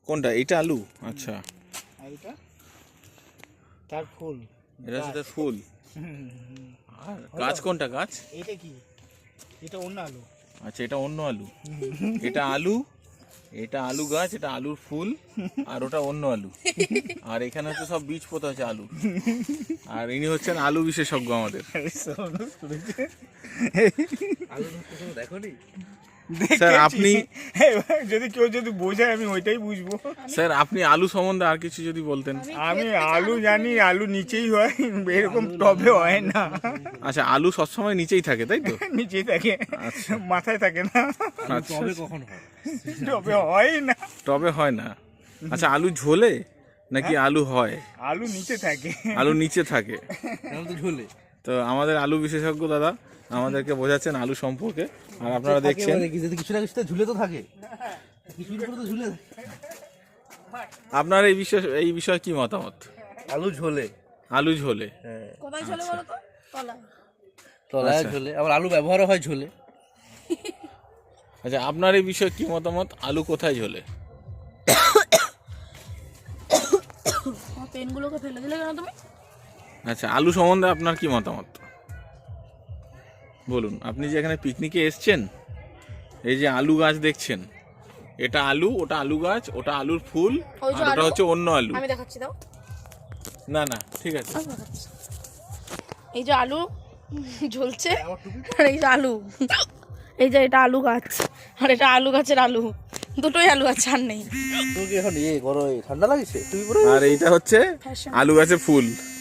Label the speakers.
Speaker 1: কোনটা? এটা আলু? আচ্ছা,
Speaker 2: আর এটা তার ফুল।
Speaker 1: এটা হচ্ছে তার ফুল। আর গাছ কোনটা? গাছ
Speaker 2: এটা কি? এটা অন্য আলু।
Speaker 1: আচ্ছা, এটা অন্য আলু। এটা আলু, এটা আলু গাছ, এটা আলুর ফুল, আর ওটা অন্য আলু। আর এখানে হচ্ছে সব বীজ পোতা হচ্ছে আলু। আর ইনি হচ্ছেন আলু বিশেষজ্ঞ আমাদের।
Speaker 2: আলু দেখোনি?
Speaker 1: স্যার আপনি,
Speaker 2: যদি কেউ যদি বোঝায় আমি ওইটাই বুঝবো।
Speaker 1: স্যার আপনি আলু সম্বন্ধে আর কিছু যদি বলতেন।
Speaker 2: আমি আলু জানি, আলু নিচেই হয়, এরকম টবে হয় না।
Speaker 1: আচ্ছা, আলু সবসময় নিচেই থাকে তাই তো?
Speaker 2: নিচেই থাকে, মাথায় থাকে না।
Speaker 1: আচ্ছা,
Speaker 2: কখন হয়? টবে হয় না।
Speaker 1: টবে হয় না। আচ্ছা, আলু ঝোলে নাকি আলু হয়?
Speaker 2: আলু নিচে থাকে।
Speaker 1: আলু নিচে থাকে।
Speaker 2: ঝোলে।
Speaker 1: তো আমাদের আলু বিশেষজ্ঞ দাদা আমাদেরকে বোঝাচ্ছেন আলু সম্পর্কে। আর আপনারা দেখছেন
Speaker 2: কিছু না কিছু ঝুলে তো থাকে, কিছু তো ঝুলে।
Speaker 1: আপনার এই বিষয়ে কি মতামত?
Speaker 2: আলু ঝোলে।
Speaker 1: আলু ঝোলে?
Speaker 3: কোথায় ঝোলে বলো তো? তলায়।
Speaker 2: তলায়
Speaker 1: আচ্ছা।
Speaker 2: ঝোলে, আবার আলু ব্যবহারও হয় ঝোলে।
Speaker 1: আচ্ছা, আপনার এই বিষয়ে কি মতামত? আলু কোথায় ঝোলে?
Speaker 3: পেনগুলোকে ফেলে দিলে কেন তুমি?
Speaker 1: আচ্ছা, আলু সম্বন্ধে আপনার কি মতামত বলুন। আপনি যে এখানে পিকনিকে এসছেন, এই যে আলু গাছ দেখছেন, এটা আলু, ওটা আলু গাছ, ওটা আলুর ফুল,
Speaker 3: ওই যে
Speaker 1: আর ওটা
Speaker 3: আলু।
Speaker 1: হচ্ছে অন্য আলু।
Speaker 3: আমি দেখাচ্ছি, দাও।
Speaker 1: না না, ঠিক আছে।
Speaker 3: আমি দেখাচ্ছি। এই যে আলু ঝুলছে, আর এই যে আলু, এই যে এটা আলু গাছ, আর এটা আলু গাছের আলু, দুটোই আলু আছে, আর নেই।
Speaker 2: তোকে এখন গরম ঠান্ডা লাগছে তুমি?
Speaker 1: আর এইটা হচ্ছে আলু গাছের ফুল।